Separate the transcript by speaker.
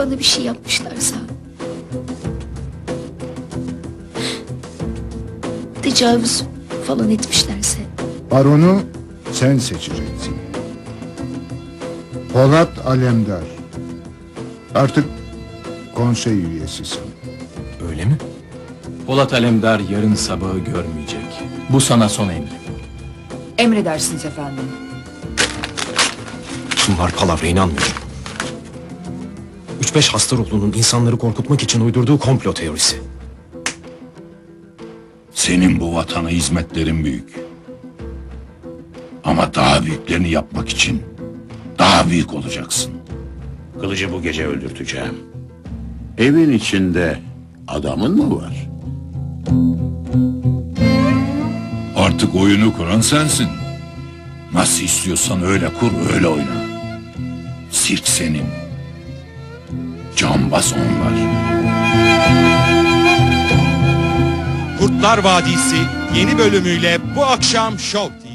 Speaker 1: sana bir şey yapmışlarsa, tecavüz falan etmişlerse,
Speaker 2: Baronu sen seçeceksin. Polat Alemdar. Artık konsey üyesisin.
Speaker 3: Öyle mi? Polat Alemdar yarın sabahı görmeyecek. Bu sana son emrim.
Speaker 4: Emredersiniz efendim.
Speaker 5: Bunlar palavra, inanmıyorum. 3-5 Hastaroğlu'nun insanları korkutmak için uydurduğu komplo teorisi.
Speaker 6: Senin bu vatana hizmetlerin büyük. Ama daha büyüklerini yapmak için daha büyük olacaksın.
Speaker 7: Kılıcı bu gece öldürteceğim. Evin içinde adamın mı var?
Speaker 6: Artık oyunu kuran sensin. Nasıl istiyorsan öyle kur, öyle oyna. Sirk senin. Cambaz onlar.
Speaker 8: Kurtlar Vadisi yeni bölümüyle bu akşam Show TV.